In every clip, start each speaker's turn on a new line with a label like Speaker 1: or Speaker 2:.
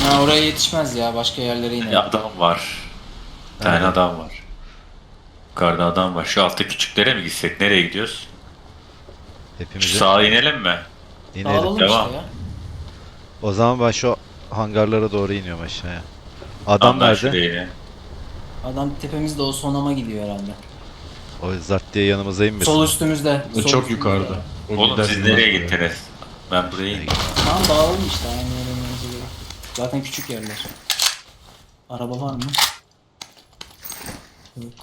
Speaker 1: Ha, oraya yetişmez ya, başka yerlere iner.
Speaker 2: Adam var. Bir tane
Speaker 3: Nerede?
Speaker 2: adam var. Yukarıda adam var. Şu altta küçüklere mi gitsek? Nereye gidiyoruz? Şu
Speaker 3: Hepimizi
Speaker 2: sağa inelim mi?
Speaker 3: inelim.
Speaker 1: Dağılalım işte
Speaker 2: Devam.
Speaker 1: ya.
Speaker 3: O zaman ben şu hangarlara doğru iniyorum aşağıya. Adam
Speaker 2: Tamam ben
Speaker 3: nerede?
Speaker 2: şuraya ineyim.
Speaker 1: Adam tepemizde, o sonama gidiyor herhalde.
Speaker 3: O zart diye yanımıza inmesin.
Speaker 1: Sol
Speaker 3: o.
Speaker 1: üstümüzde.
Speaker 4: O
Speaker 1: Sol
Speaker 4: çok
Speaker 1: üstümüzde.
Speaker 4: yukarıda. O
Speaker 2: Oğlum
Speaker 4: gider
Speaker 2: siz
Speaker 4: inmez
Speaker 2: nereye
Speaker 4: buraya.
Speaker 2: gittiniz? Ben buraya ineyim.
Speaker 1: Tamam, dağılalım işte, aynı yere inmemize gerek yok. Zaten küçük yerler. Araba var mı? Yok.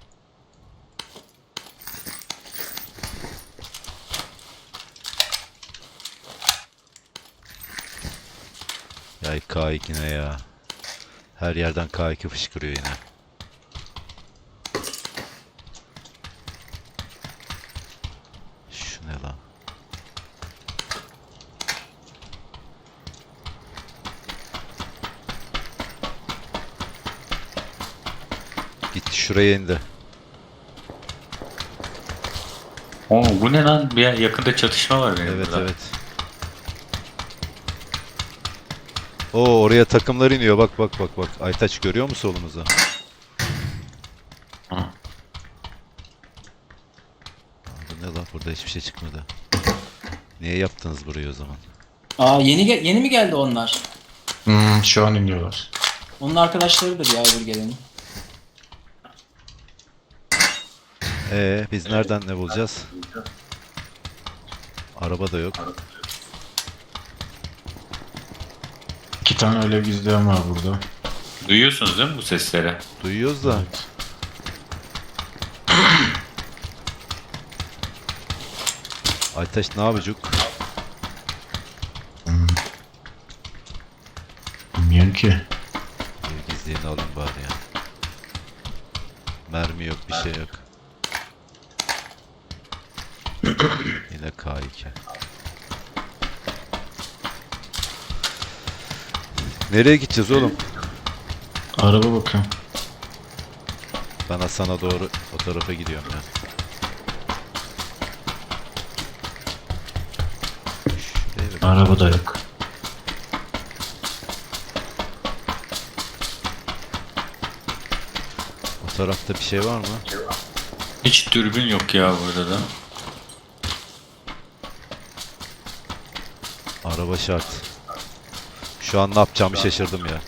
Speaker 3: Ya K2 ne ya? Her yerden K2 fışkırıyor yine. Şu ne lan? Gitti şuraya indi.
Speaker 2: Oo, bu ne lan? Bir yakında çatışma var benim
Speaker 3: Evet
Speaker 2: burada.
Speaker 3: evet. Oo oraya takımlar iniyor. Bak bak bak bak. Aytaç görüyor musun solumuzu?
Speaker 2: Hı.
Speaker 3: Bu ne lan? Burada hiçbir şey çıkmadı. Niye yaptınız burayı o zaman?
Speaker 1: Aa, yeni mi geldi onlar?
Speaker 4: Şu an iniyorlar.
Speaker 1: Onun arkadaşlarıdır ya, öbür gelenin.
Speaker 3: Biz nereden ne bulacağız? Araba da yok.
Speaker 4: 2 tane öyle izleyen var burada.
Speaker 2: Duyuyorsunuz değil mi bu sesleri?
Speaker 3: Duyuyoruz da.
Speaker 4: Evet.
Speaker 3: Aytaç ne yapacak?
Speaker 4: Bilmiyorum ki.
Speaker 3: Bir gizliğini alayım bari ya. Mermi yok, bir şey yok. Yine K2. Nereye gideceğiz oğlum?
Speaker 4: Araba bakıyorum.
Speaker 3: Ben Hasan'a doğru o tarafa gidiyorum ya. Şuraya bir-
Speaker 4: Araba da yok.
Speaker 3: O tarafta bir şey var mı?
Speaker 2: Hiç dürbün yok ya burada da.
Speaker 3: Araba şart. Şu an ne yapacağımı şaşırdım ya.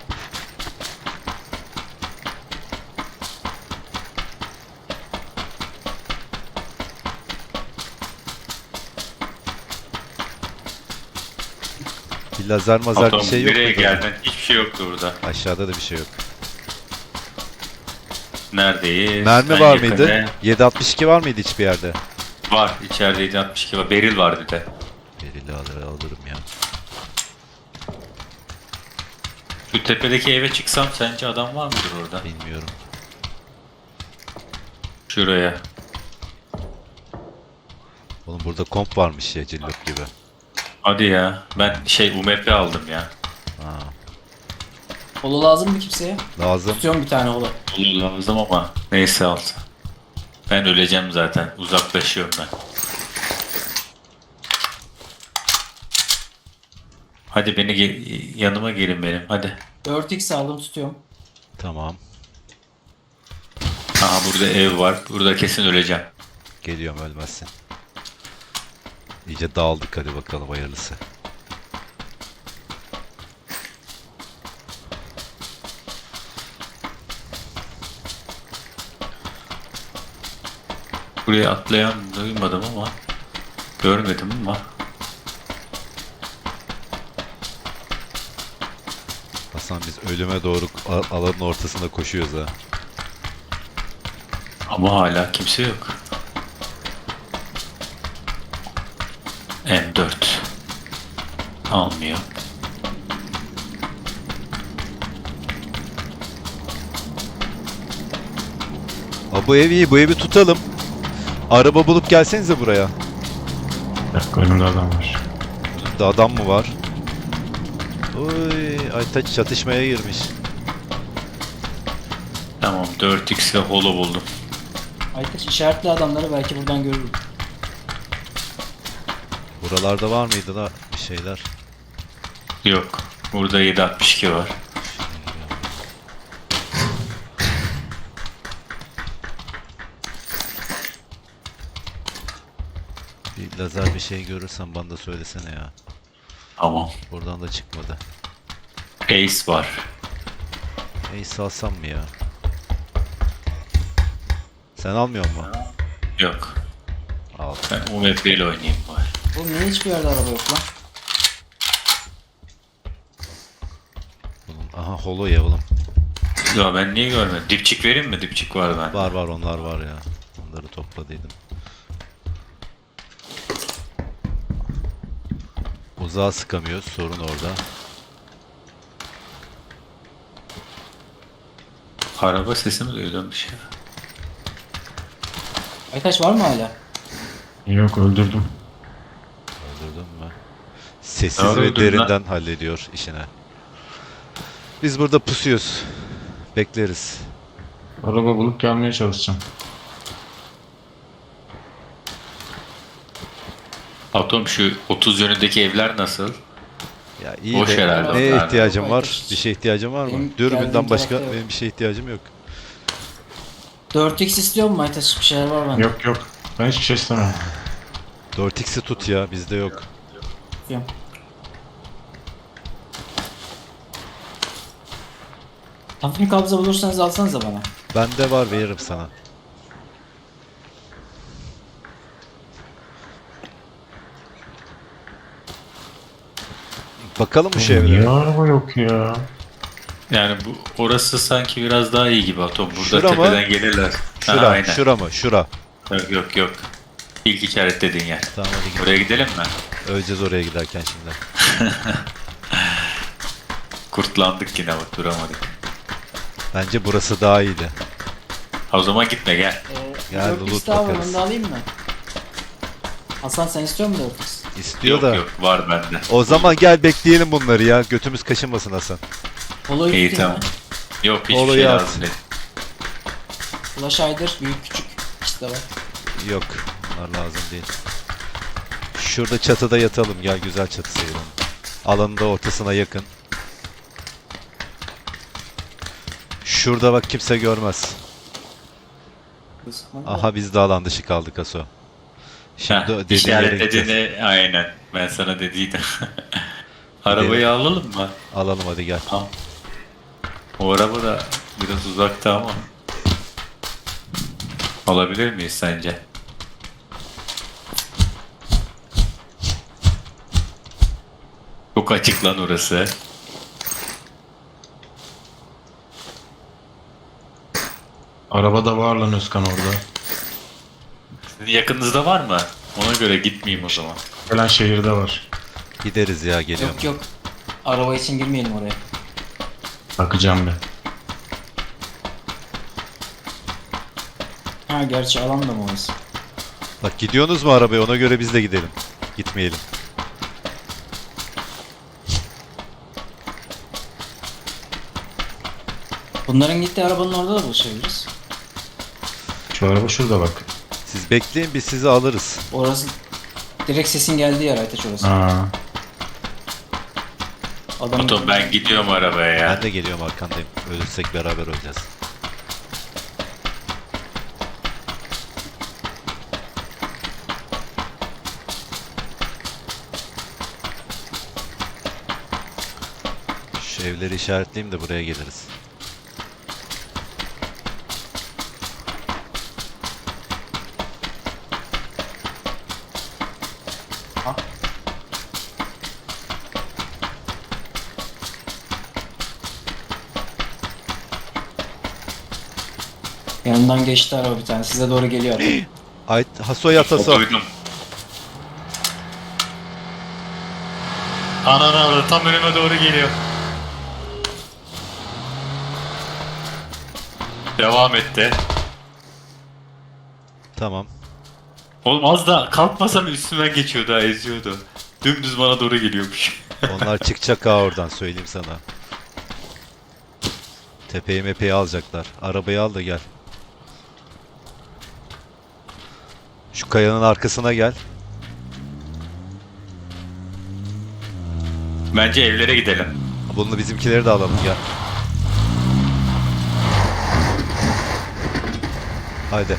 Speaker 3: Bir lazer mazar bir
Speaker 2: Adam
Speaker 3: şey yok
Speaker 2: nereye
Speaker 3: muydu?
Speaker 2: geldin? Hiçbir şey yoktu burada.
Speaker 3: Aşağıda da bir şey yok.
Speaker 2: Neredeyiz?
Speaker 3: Mermi
Speaker 2: Ben
Speaker 3: var
Speaker 2: yakında-
Speaker 3: mıydı? 7.62 var mıydı hiçbir yerde?
Speaker 2: Var. İçeride 762 var. Beril var bir de.
Speaker 3: Belirli alırım ya.
Speaker 2: Şu tepedeki eve çıksam sence adam var mıdır orada?
Speaker 3: Bilmiyorum.
Speaker 2: Şuraya.
Speaker 3: Oğlum burada komp varmış ya cillop gibi.
Speaker 2: Hadi ya. Ben UMP aldım ya.
Speaker 3: Ha,
Speaker 1: Holo lazım mı kimseye?
Speaker 3: lazım.
Speaker 1: Tutuyorum bir tane holo.
Speaker 2: Olur lazım ama neyse al. Ben öleceğim zaten. Uzaklaşıyorum ben. Hadi yanıma gelin benim. Hadi.
Speaker 1: 4x aldım, tutuyorum.
Speaker 3: Tamam.
Speaker 2: Aha burada ev var. Burada kesin öleceğim.
Speaker 3: Geliyorum ölmezsin. İyice dağıldık hadi bakalım hayırlısı.
Speaker 2: Buraya atlayan duymadım ama görmedim ama.
Speaker 3: Hasan biz ölüme doğru alanın ortasında koşuyoruz ha.
Speaker 2: Ama hala kimse yok. M4 almıyor.
Speaker 3: Bu ev iyi, bu evi tutalım. Araba bulup gelsenize buraya.
Speaker 4: Bir dakika önümde adam var.
Speaker 3: Burada adam mı var? Oy, Aytaç çatışmaya girmiş.
Speaker 2: Tamam 4x ve holo buldum.
Speaker 1: Aytaç işaretli adamları, belki buradan görürüm.
Speaker 3: Buralarda var mıydı da bir şeyler?
Speaker 2: Yok. Burada 7.62 var.
Speaker 3: Bir lazer bir şey görürsen bana da söylesene ya.
Speaker 2: Tamam.
Speaker 3: Buradan da çıkmadı.
Speaker 2: Ace var.
Speaker 3: Ace alsam mı ya? Sen almıyor musun?
Speaker 2: Yok.
Speaker 3: Al.
Speaker 2: Ben UMP ile oynayayım bari.
Speaker 1: Oğlum niye hiçbir yerde araba yok lan?
Speaker 3: Aha holo ya oğlum.
Speaker 2: Ya ben niye görmedim? Dipçik vereyim mi? Dipçik var bende.
Speaker 3: Var var onlar var ya. Onları topladıydım. Uzağa sıkamıyoruz. Sorun orada.
Speaker 2: Araba sesi mi duydum bir şey?
Speaker 1: Aytaç var mı hala?
Speaker 4: Yok öldürdüm.
Speaker 3: Öldürdün mü? Sessiz
Speaker 2: Ne
Speaker 3: ve
Speaker 2: öldürdün
Speaker 3: derinden hallediyor işine. Biz burada pusuyoruz. Bekleriz.
Speaker 4: Araba bulup gelmeye çalışacağım.
Speaker 2: Atom şu 30 yönündeki evler nasıl?
Speaker 3: Ya iyi
Speaker 2: Boş
Speaker 3: de
Speaker 2: herhalde
Speaker 3: neye
Speaker 2: onlar.
Speaker 3: ihtiyacım var?
Speaker 1: Aytaç.
Speaker 3: Bir şeye ihtiyacım var mı?
Speaker 1: Benim
Speaker 3: Dürbünden
Speaker 1: geldiğim
Speaker 3: başka
Speaker 1: tarafta yok.
Speaker 3: benim bir şeye ihtiyacım yok.
Speaker 1: 4x istiyor mu Aytaç? Bir şeyler var bende.
Speaker 4: Yok yok. Ben hiçbir şey istemem.
Speaker 3: 4x'i tut ya bizde yok.
Speaker 1: Tutuyorum. Hafif kabza bulursanız alsanıza bana.
Speaker 3: Bende var veririm sana. Bakalım bu
Speaker 4: Niye
Speaker 3: şeylere.
Speaker 4: araba yok ya?
Speaker 2: Yani bu orası sanki biraz daha iyi gibi Atom. Burada
Speaker 3: Şura mı?
Speaker 2: tepeden gelirler. Ha,
Speaker 3: Şura,
Speaker 2: aynen.
Speaker 3: şura mı? Şura.
Speaker 2: Yok yok yok. İlk işaretlediğin yer.
Speaker 3: Tamam hadi gidelim.
Speaker 2: Buraya gidelim mi?
Speaker 3: Öleceğiz oraya giderken şimdi.
Speaker 2: Kurtlandık yine bak duramadık.
Speaker 3: Bence burası daha iyiydi.
Speaker 2: Ha, o zaman gitme gel.
Speaker 3: Gel,
Speaker 1: 4x
Speaker 3: loot
Speaker 1: daha var,
Speaker 3: bakarız.
Speaker 1: onu da alayım mı? Hasan sen istiyor musun 4x?
Speaker 3: İstiyor
Speaker 2: Yok
Speaker 3: da.
Speaker 2: yok var bende.
Speaker 3: O zaman gel bekleyelim bunları ya. Götümüz kaşınmasın Hasan.
Speaker 1: Polo'yu
Speaker 2: İyi
Speaker 1: tutayım
Speaker 2: tamam.
Speaker 1: mı?
Speaker 2: Yok hiçbir
Speaker 3: Olayı
Speaker 2: şey
Speaker 3: at.
Speaker 2: lazım değil.
Speaker 1: Flash Hider büyük küçük ikisi de var.
Speaker 3: Yok. Bunlar lazım değil. Şurada çatıda yatalım. Gel güzel çatı seyredelim. Alanın da ortasına yakın. Şurada bak kimse görmez. Aha biz de alan dışı kaldık Aso. Şimdi
Speaker 2: Heh,
Speaker 3: dediğin yere gideceğiz.
Speaker 2: işaretlediğini aynen. Ben sana dediydim. Arabayı alalım mı?
Speaker 3: Alalım hadi gel.
Speaker 2: Tamam. O araba da biraz uzakta ama. Alabilir miyiz sence? Çok açık lan orası.
Speaker 4: Araba da var lan Özkan orada.
Speaker 2: Sizin yakınınızda var mı? Ona göre gitmeyeyim o zaman.
Speaker 4: Gelen şehirde var.
Speaker 3: Gideriz ya geliyorum.
Speaker 1: Yok yok. Araba için girmeyelim oraya.
Speaker 4: Bakacağım ben.
Speaker 1: Ha gerçi alan da mı orası?
Speaker 3: Bak gidiyorsunuz mu arabaya ona göre biz de gidelim. Gitmeyelim.
Speaker 1: Bunların gittiği arabanın orada da buluşabiliriz.
Speaker 4: Şu araba şurada bak.
Speaker 3: Siz bekleyin biz sizi alırız.
Speaker 1: Orası direkt sesin geldiği yer Aytaç orası.
Speaker 4: Aa,
Speaker 1: Adam
Speaker 2: Atom ben gidiyorum arabaya ya.
Speaker 3: Ben de geliyorum arkandayım. Ölürsek beraber öleceğiz. Şu evleri işaretleyeyim de buraya geliriz.
Speaker 1: yanından geçti araba bir tane. Size doğru geliyor adam.
Speaker 3: Ay Haso yat Haso.
Speaker 2: Duydum. Ananı tam önüme doğru geliyor. Devam etti.
Speaker 3: Tamam.
Speaker 2: Oğlum az da kalkmasam üstümden geçiyordu ha eziyordu. Dümdüz bana doğru geliyormuş.
Speaker 3: Onlar çıkacak ha oradan söyleyeyim sana. Tepeyi mepeyi alacaklar. Arabayı al da gel. Şu kayanın arkasına gel.
Speaker 2: Bence evlere gidelim.
Speaker 3: Bunu bizimkileri de alalım gel. Haydi.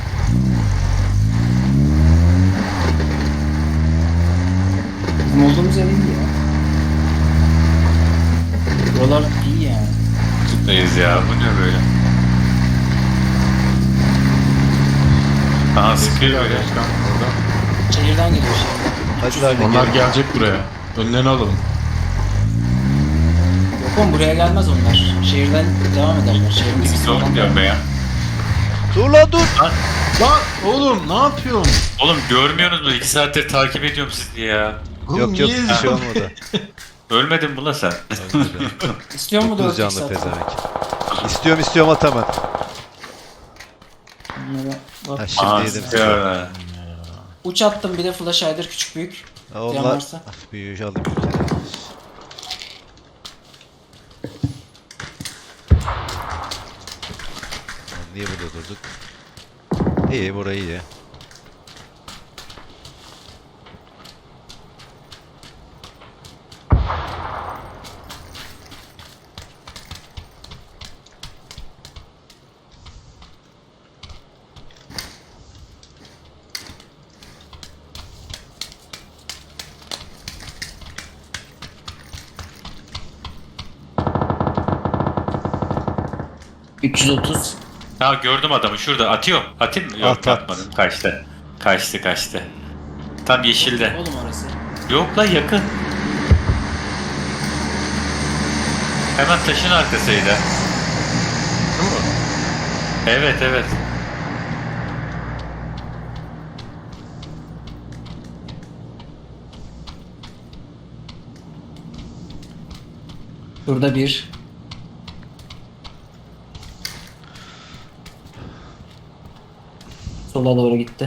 Speaker 1: Bizim olduğumuz yer iyi ya. Buralar iyi yani.
Speaker 2: Tutmayız ya. Bu ne böyle? Aha sıkıyor böyle.
Speaker 4: Erkan orada.
Speaker 1: Şehirden geliyor şehirden.
Speaker 3: Hadi hadi
Speaker 4: Onlar
Speaker 3: gel.
Speaker 4: gelecek buraya. Önlerini alalım.
Speaker 1: Yok oğlum buraya gelmez onlar. Şehirden devam ederler. Şehrin
Speaker 2: Biz
Speaker 1: sesi
Speaker 2: oğlum
Speaker 1: falan
Speaker 2: diyorum
Speaker 1: da.
Speaker 2: be ya.
Speaker 3: Dur lan dur.
Speaker 4: Lan oğlum ne yapıyorsun?
Speaker 2: Oğlum görmüyorsunuz mu? 2 saattir takip ediyorum sizi ya.
Speaker 4: Oğlum,
Speaker 3: Yok yok
Speaker 4: niye
Speaker 3: bir şey
Speaker 4: izliyorsun?
Speaker 3: olmadı.
Speaker 2: Ölmedin mi la sen?
Speaker 3: Ölmedi.
Speaker 1: İstiyor mu
Speaker 3: 9
Speaker 1: 4
Speaker 3: canlı
Speaker 1: saat?
Speaker 3: pezevenk. İstiyorum at hemen.
Speaker 1: Bunlara bak.
Speaker 3: Ha, şimdi
Speaker 2: Aa
Speaker 3: yedim.
Speaker 2: sıkıyor.
Speaker 1: Uç attım bir de flash hider küçük büyük.
Speaker 3: Ha,
Speaker 1: Diyen
Speaker 3: onlar
Speaker 1: varsa.
Speaker 3: büyüyüş alayım. Lan niye burada durduk? İyi burayı iyi.
Speaker 1: Hı. 330.
Speaker 2: Ha gördüm adamı şurada. Atıyorum. Atayım mı? Yok
Speaker 3: At, at.
Speaker 2: atmadım. Kaçtı. Kaçtı. Tam yeşilde.
Speaker 1: Oğlum orası.
Speaker 2: Yok la yakın. Hemen taşın arkasıydı.
Speaker 4: Değil mi?
Speaker 2: Evet.
Speaker 1: Burada bir. Sola doğru gitti.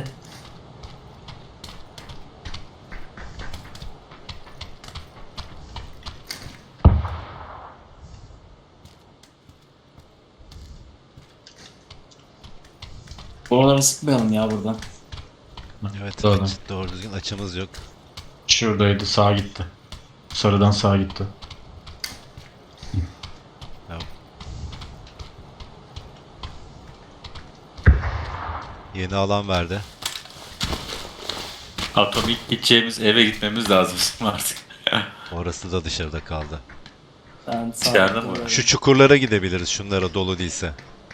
Speaker 1: Oralara sıkmayalım ya buradan.
Speaker 3: Evet
Speaker 4: Doğru.
Speaker 3: doğru düzgün açımız yok.
Speaker 4: Şuradaydı sağa gitti. Sarıdan sağa gitti.
Speaker 3: Yeni alan verdi.
Speaker 2: Atomik gideceğimiz eve gitmemiz lazım bizim artık.
Speaker 3: Orası da dışarıda kaldı.
Speaker 1: Ben sağ
Speaker 2: İçeride mi?
Speaker 1: doğru-
Speaker 3: Şu çukurlara gidebiliriz şunlara dolu değilse.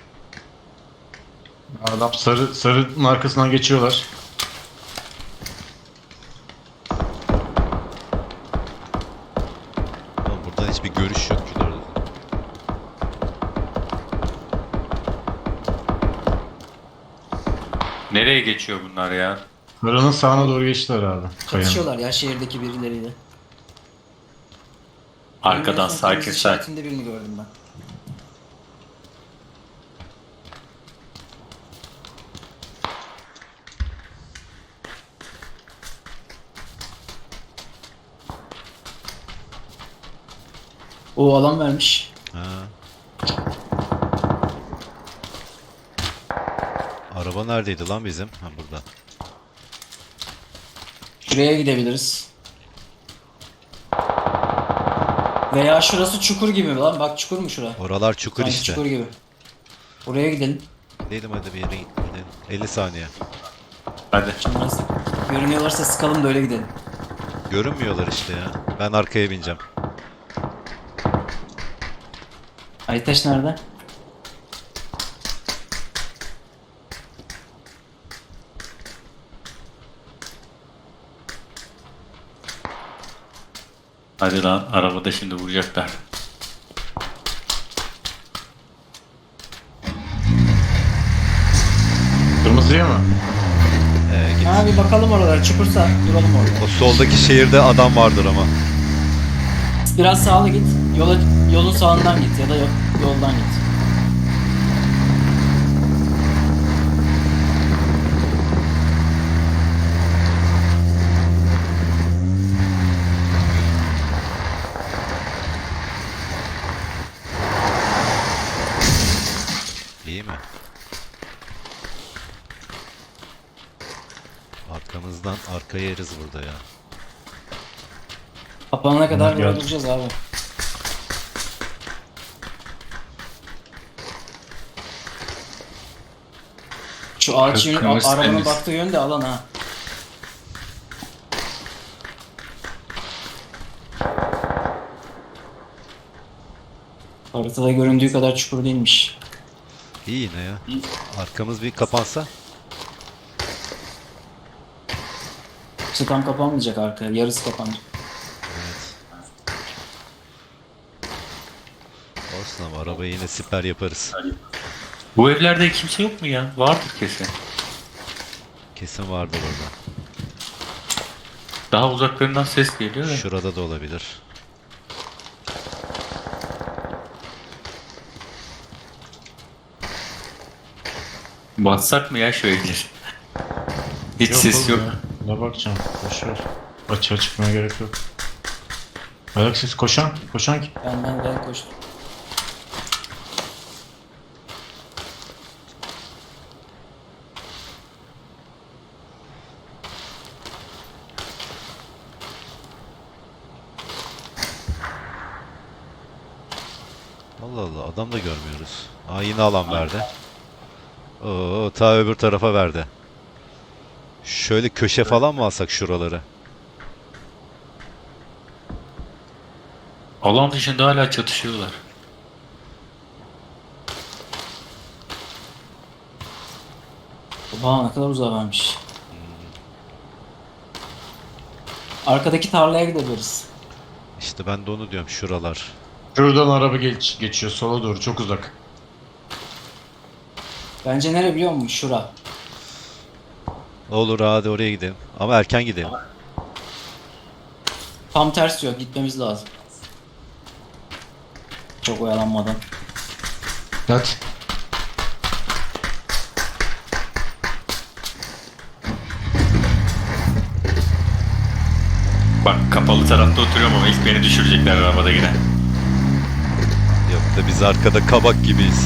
Speaker 4: Adam sarının arkasından geçiyorlar.
Speaker 3: Ama buradan hiçbir görüş yok ki doğru.
Speaker 2: Nereye geçiyor bunlar ya?
Speaker 4: Sarının sağına doğru geçtiler abi. Kayanın.
Speaker 1: Çatışıyorlar ya şehirdeki birileriyle.
Speaker 2: Arkadan
Speaker 1: En son
Speaker 2: sakin
Speaker 1: kırmızı
Speaker 2: sakin.
Speaker 1: işaretinde birini gördüm ben. O alan vermiş.
Speaker 3: Ha. Araba neredeydi lan bizim? Ha burada.
Speaker 1: Şuraya gidebiliriz. Veya şurası çukur gibi lan. Bak çukur mu şura?
Speaker 3: Oralar çukur
Speaker 1: Sanki
Speaker 3: işte.
Speaker 1: çukur gibi. Oraya gidelim.
Speaker 3: Gidelim hadi bir yere gidelim. 50 saniye.
Speaker 2: Hadi.
Speaker 1: Şimdi nasıl görünüyorlarsa sıkalım da öyle gidelim.
Speaker 3: Görünmüyorlar işte ya. Ben arkaya bineceğim.
Speaker 1: Aytaş nerede?
Speaker 2: Hadi lan arabada şimdi vuracaklar.
Speaker 4: Kırmızıya mı?
Speaker 3: Git.
Speaker 1: Ha bir bakalım oralara. Çukursa duralım orada.
Speaker 3: O soldaki şehirde adam vardır ama.
Speaker 1: Biraz sağlı git. Yolun sağından git ya da yoldan git.
Speaker 3: İyi mi? Arkamızdan arkaya yeriz burada ya.
Speaker 1: Kapanana kadar
Speaker 4: Bunlar
Speaker 1: böyle
Speaker 4: geldi.
Speaker 1: duracağız abi. Şu ağaç yönü,
Speaker 2: Kırmızı
Speaker 1: arabanın
Speaker 2: temiz.
Speaker 1: baktığı yön de alan ha. Haritada göründüğü kadar çukur değilmiş.
Speaker 3: İyi yine ya. Arkamız bir kapansa.
Speaker 1: Tam kapanmayacak arka. Yarısı kapanacak.
Speaker 3: Evet. Olsun ama arabayı yine siper yaparız.
Speaker 2: Bu evlerde kimse yok mu ya? Vardır kesin.
Speaker 3: Kesin vardır orada.
Speaker 2: Daha uzaklarından ses geliyor da.
Speaker 3: Şurada da olabilir.
Speaker 2: Bassak mı ya şu evleri? Hiç ses
Speaker 4: oğlum
Speaker 2: yok.
Speaker 4: ya. Ne bakacağım? Boşver. Açığa çıkmaya gerek yok. Ayak sesi koşan. Koşan kim?
Speaker 1: Ben koştum.
Speaker 3: Allah Allah adam da görmüyoruz. Aa yine alan verdi. Oo ta öbür tarafa verdi. Şöyle köşe falan mı alsak şuraları?
Speaker 2: Alan dışında hala çatışıyorlar.
Speaker 1: Oha ne kadar uzağa varmış. Arkadaki tarlaya gidebiliriz.
Speaker 3: İşte ben de onu diyorum şuralar.
Speaker 4: Şuradan araba geçiyor sola doğru çok uzak.
Speaker 1: Bence nere biliyor musun? Şura.
Speaker 3: Olur hadi oraya gidelim. Ama erken gidelim.
Speaker 1: Tam ters yok. Gitmemiz lazım. Çok oyalanmadan.
Speaker 4: Hadi.
Speaker 2: Bak kapalı tarafta oturuyorum ama ilk beni düşürecekler arabada yine.
Speaker 3: Yok da biz arkada kabak gibiyiz.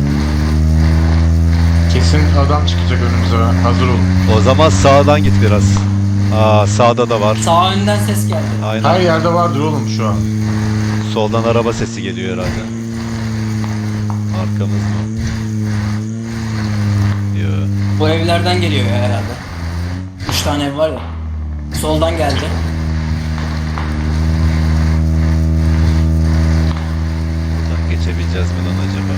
Speaker 4: Kesin adam çıkacak önümüze. Hazır olun.
Speaker 3: O zaman sağdan git biraz. Aa sağda da var.
Speaker 1: Sağ önden ses geldi.
Speaker 3: Aynen.
Speaker 4: Her yerde vardır oğlum şu an.
Speaker 3: Soldan araba sesi geliyor herhalde. Arkamız mı? Yok.
Speaker 1: Bu evlerden geliyor ya herhalde. 3 tane ev var ya. Soldan geldi.
Speaker 3: Buradan geçebileceğiz mi lan acaba?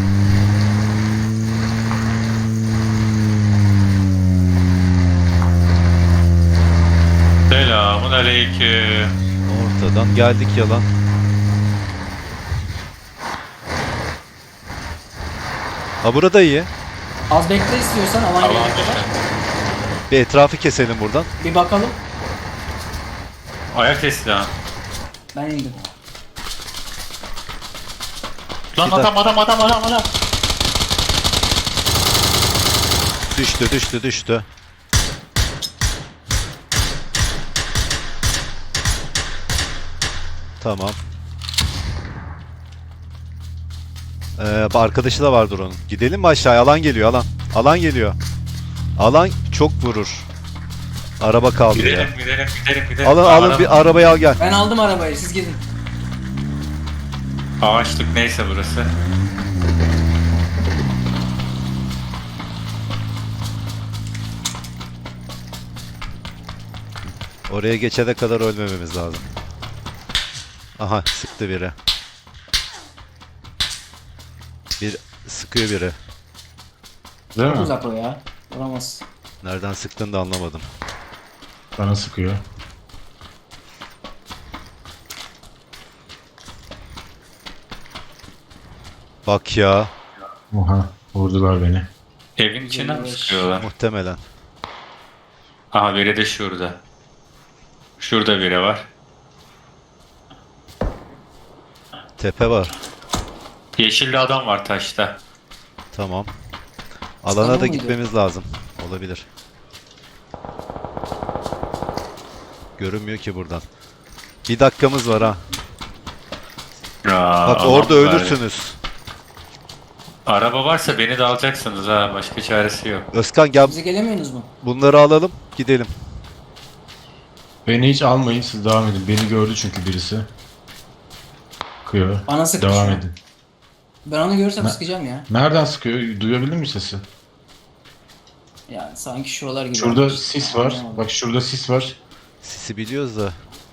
Speaker 2: Selamun aleyküm.
Speaker 3: Ortadan geldik yalan. Ha burada iyi.
Speaker 1: Az bekle istiyorsan alan
Speaker 2: Alan
Speaker 1: gelene kadar.
Speaker 2: dışı.
Speaker 3: Bir etrafı keselim buradan.
Speaker 1: Bir bakalım.
Speaker 2: Ayak sesi ha.
Speaker 1: Ben indim.
Speaker 2: Lan
Speaker 3: Bir
Speaker 2: adam.
Speaker 3: Düştü. Tamam. Arkadaşı da vardır onun. Gidelim mi aşağıya? Alan geliyor alan. Alan geliyor. Alan çok vurur. Araba kaldı ya.
Speaker 2: Gidelim.
Speaker 3: Alın bir arabayı al gel.
Speaker 1: Ben aldım arabayı. Siz gidin.
Speaker 2: Ağaçlık neyse burası.
Speaker 3: Oraya geçene kadar ölmememiz lazım. Aha sıktı biri. Bir sıkıyor biri.
Speaker 4: Değil
Speaker 1: Çok
Speaker 4: mi?
Speaker 1: uzak o ya. Olamaz.
Speaker 3: Nereden sıktığını da anlamadım.
Speaker 4: Bana sıkıyor.
Speaker 3: Bak ya.
Speaker 4: Oha. Vurdular beni.
Speaker 2: Evin içinden mi sıkıyorlar?
Speaker 3: Muhtemelen.
Speaker 2: Aha biri de şurada. Şurada biri var.
Speaker 3: Tepe var.
Speaker 2: Yeşilli adam var taşta.
Speaker 3: Tamam.
Speaker 1: Sana
Speaker 3: Alana da
Speaker 1: mıydı?
Speaker 3: gitmemiz lazım. Olabilir. Görünmüyor ki buradan. Bir dakikamız var ha.
Speaker 2: Aa,
Speaker 3: Bak
Speaker 2: alan
Speaker 3: orada
Speaker 2: var.
Speaker 3: ölürsünüz.
Speaker 2: Araba varsa beni de alacaksınız ha. Başka çaresi yok.
Speaker 3: Özkan gel
Speaker 1: Bize gelemiyorsunuz mu?
Speaker 3: bunları alalım. Gidelim.
Speaker 4: Beni hiç almayın siz devam edin. Beni gördü çünkü birisi. Sıkıyor.
Speaker 1: Bana sıktı
Speaker 4: Devam
Speaker 1: şu an.
Speaker 4: edin.
Speaker 1: Ben onu görürsem
Speaker 4: Ne?
Speaker 1: sıkacağım ya.
Speaker 4: Nereden sıkıyor? Duyabildin mi sesi?
Speaker 1: Yani sanki şuralar gibi.
Speaker 4: Şurada sis var. Bak şurada sis var.
Speaker 3: Sisi biliyoruz da.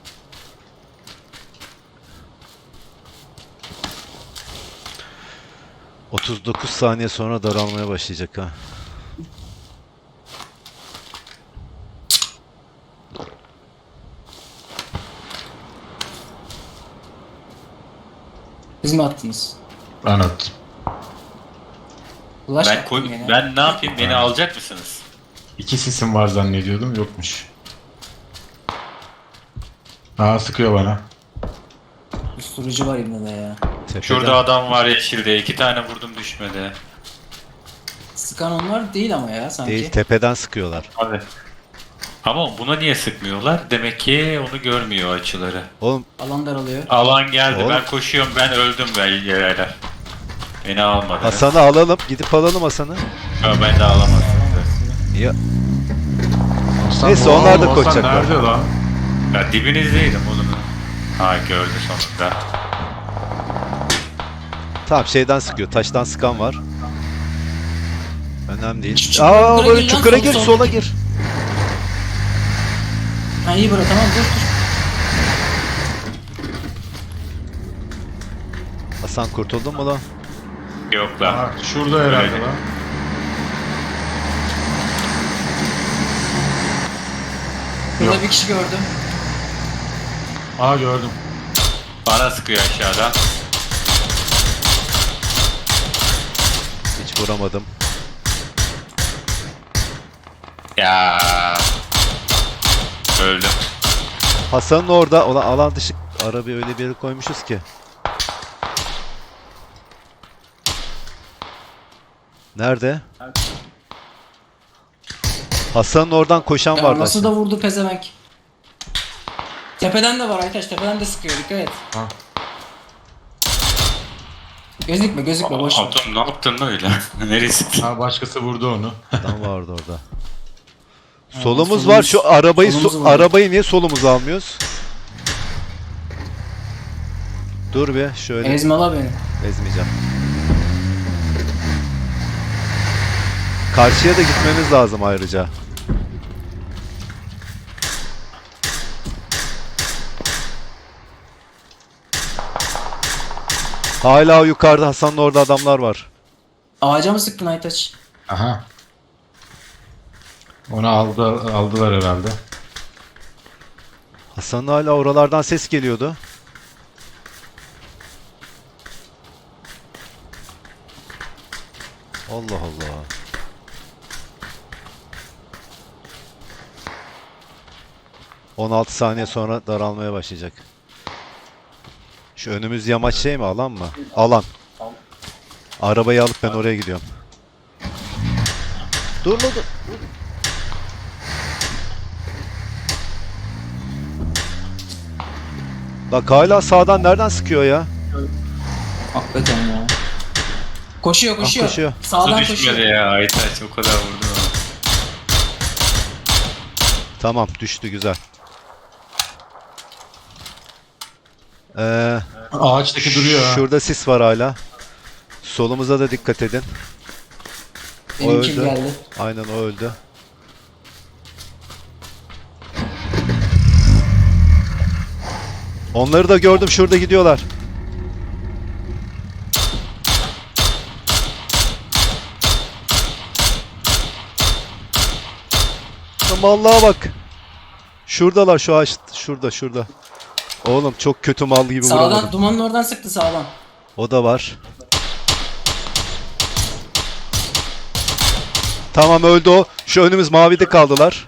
Speaker 3: ...39 saniye sonra daralmaya başlayacak ha.
Speaker 1: Siz mi attınız?
Speaker 4: Ben attım.
Speaker 1: Flash
Speaker 2: Ben
Speaker 1: attım gene.
Speaker 2: ben ne yapayım? Beni alacak mısınız?
Speaker 4: 2 sisim var zannediyordum. Yokmuş. Aa sıkıyor bana.
Speaker 1: Usturucu var elimde de ya.
Speaker 3: Tepeden.
Speaker 2: Şurada adam var yeşilde. 2 tane vurdum düşmedi.
Speaker 1: Sıkan onlar değil ama ya sanki.
Speaker 3: Değil, tepeden sıkıyorlar.
Speaker 2: Abi. Ama buna niye sıkmıyorlar? Demek ki onu görmüyor açıları.
Speaker 3: Oğlum
Speaker 1: Alan daralıyor.
Speaker 2: Alan geldi.
Speaker 3: Oğlum.
Speaker 2: Ben koşuyorum. Ben öldüm ben yerler. Beni almadı.
Speaker 3: Hasan'ı alalım. Gidip alalım Hasan'ı.
Speaker 2: Ya ben de alamadım.
Speaker 3: Ya,
Speaker 4: Hasan,
Speaker 3: Neyse,
Speaker 4: wow,
Speaker 3: onlar da
Speaker 4: Hasan
Speaker 3: koşacaklar.
Speaker 4: nerede lan?
Speaker 2: Ya dibinizdeydim oğlum. Ha gördü sonunda.
Speaker 3: tamam, şeyden sıkıyor. Taştan sıkan var. Önemli değil.
Speaker 1: Çukura
Speaker 3: Aa, böyle
Speaker 1: gir lan,
Speaker 3: çukura
Speaker 1: sol,
Speaker 3: gir,
Speaker 1: sol.
Speaker 3: sola gir.
Speaker 1: Ha iyi bırak, tamam dur.
Speaker 3: Hasan kurtuldun mu lan?
Speaker 2: Yok lan.
Speaker 4: Aa, şurada herhalde
Speaker 2: Öyle.
Speaker 4: lan.
Speaker 1: Burada bir kişi gördüm.
Speaker 4: Aa gördüm.
Speaker 2: Bana sıkıyor aşağıdan.
Speaker 3: Hiç vuramadım.
Speaker 2: Ya. Öldüm.
Speaker 3: Hasan'ın orada olan alan dışı arabayı öyle bir yere koymuşuz ki. Nerede? Hasan'ın oradan koşan
Speaker 1: Ya
Speaker 3: vardı.
Speaker 1: nasıl
Speaker 3: aşağı.
Speaker 1: da vurdu pezevenk. Tepeden de var Aytaç, tepeden de sıkıyor, dikkat et.
Speaker 4: Ha.
Speaker 1: Gözükme boş ver.
Speaker 2: Atom ne yaptın lan öyle? Neresi?
Speaker 4: Ha başkası vurdu onu.
Speaker 3: Adam vardı orada.
Speaker 1: Ha,
Speaker 3: Solumuz var. Şu arabayı
Speaker 1: solumuz var.
Speaker 3: arabayı niye solumuza almıyoruz? Dur bir şöyle
Speaker 1: Ezmala beni.
Speaker 3: ezmeyeceğim. Karşıya da gitmemiz lazım ayrıca. Hala o yukarıda, Hasan'ın orada adamlar var.
Speaker 1: Ağaca mı sıktın Aytaç?
Speaker 4: Aha. Onu aldılar herhalde.
Speaker 3: Hasan'ın hala oralardan ses geliyordu. Allah Allah. ...16 saniye sonra daralmaya başlayacak. Şu önümüz yamaç şey mi, alan mı? Alan. Arabayı alıp ben oraya gidiyorum. Dur lan dur. Bak hala sağdan nereden sıkıyor ya?
Speaker 1: Hakikaten ya. Koşuyor.
Speaker 3: koşuyor.
Speaker 2: Su
Speaker 1: Sağdan
Speaker 2: düşmedi
Speaker 1: koşuyor.
Speaker 2: ya Aytaç o kadar vurdun ama.
Speaker 3: Tamam, düştü, güzel.
Speaker 4: Ağaçtaki duruyor ha.
Speaker 3: Şurada sis var hala. Solumuza da dikkat edin.
Speaker 1: Benim kill
Speaker 3: öldü.
Speaker 1: geldi.
Speaker 3: Aynen, o öldü. Onları da gördüm, şurada gidiyorlar. Vallahi bak. Şuradalar, şu ağaç şurada. Oğlum çok kötü mal gibi
Speaker 1: Sağdan,
Speaker 3: vuramadım.
Speaker 1: dumanın oradan sıktı sağdan.
Speaker 3: O da var. Tamam, öldü o. Şu önümüz mavide kaldılar.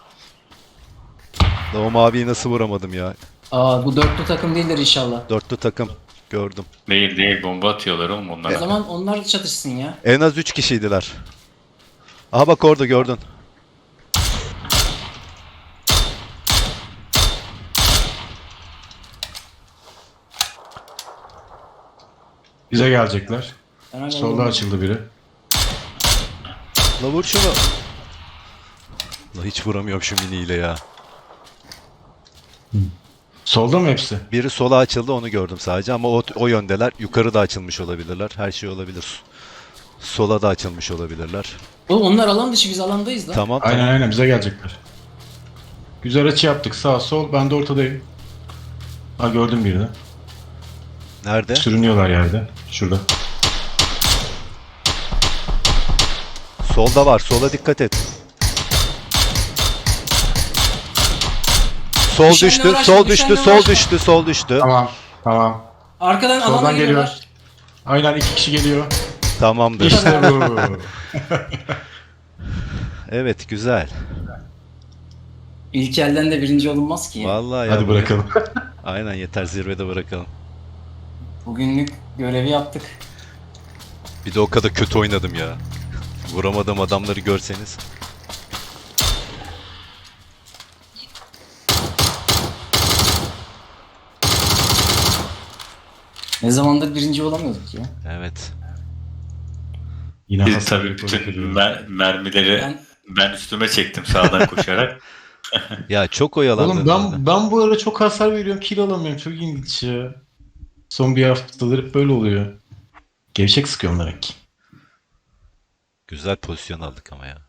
Speaker 3: Da o maviyi nasıl vuramadım ya.
Speaker 1: Aa, bu dörtlü takım değildir inşallah.
Speaker 3: Dörtlü takım gördüm.
Speaker 2: Değil bomba atıyorlar oğlum
Speaker 1: O
Speaker 2: onlara.
Speaker 1: zaman onlar çatışsın ya.
Speaker 3: En az 3 kişiydiler. Aha bak orada gördün.
Speaker 4: Bize gelecekler.
Speaker 1: Ben hala
Speaker 4: Solda
Speaker 1: vurmadım.
Speaker 4: açıldı biri.
Speaker 3: La vur şunu. La hiç vuramıyorum şu miniyle ya.
Speaker 4: Solda mı hepsi?
Speaker 3: Biri sola açıldı, onu gördüm sadece ama o yöndeler. Yukarı da açılmış olabilirler. Her şey olabilir. Sola da açılmış olabilirler.
Speaker 1: Oğlum onlar alan dışı, biz alandayız lan.
Speaker 3: Tamam
Speaker 4: Aynen
Speaker 3: tamam.
Speaker 4: aynen bize gelecekler. Güzel açı yaptık. Sağ sol. Ben de ortadayım. Ha gördüm birini.
Speaker 3: Nerede?
Speaker 4: Sürünüyorlar yerde. Şurada.
Speaker 3: Solda var. Sola dikkat et. Sol
Speaker 1: Düşenle
Speaker 3: düştü,
Speaker 1: uğraşma,
Speaker 3: sol
Speaker 1: düşenle
Speaker 3: düştü, sol
Speaker 1: uğraşma.
Speaker 3: düştü, sol düştü.
Speaker 4: Tamam. Tamam.
Speaker 1: Arkadan alana
Speaker 4: Soldan geliyor.
Speaker 1: geliyorlar.
Speaker 4: Aynen 2 kişi geliyor.
Speaker 3: Tamamdır.
Speaker 4: İşte bu.
Speaker 3: Evet, güzel.
Speaker 1: İlk elden de birinci olunmaz ki.
Speaker 3: Vallahi ya.
Speaker 4: Hadi
Speaker 3: bugün-
Speaker 4: bırakalım.
Speaker 3: Aynen, yeter, zirvede bırakalım.
Speaker 1: Bugünlük görevi yaptık.
Speaker 3: Bir de o kadar kötü oynadım ya. Vuramadığım adamları görseniz.
Speaker 1: Ne zamandır birinci olamıyorduk ya.
Speaker 3: Evet.
Speaker 4: Yine
Speaker 2: Biz
Speaker 4: hasar
Speaker 2: tabii
Speaker 4: yapıyor,
Speaker 2: bütün
Speaker 4: yapıyor.
Speaker 2: mermileri
Speaker 1: Ben
Speaker 2: ben üstüme çektim sağdan koşarak.
Speaker 3: Ya çok oyalandım.
Speaker 4: Oğlum
Speaker 3: orada.
Speaker 4: ben bu ara çok hasar veriyorum. Kill alamıyorum. Çok ilginç ya. Son bir haftadır hep böyle oluyor. Gevşek sıkıyorum demek ki.
Speaker 3: Güzel pozisyon aldık ama ya.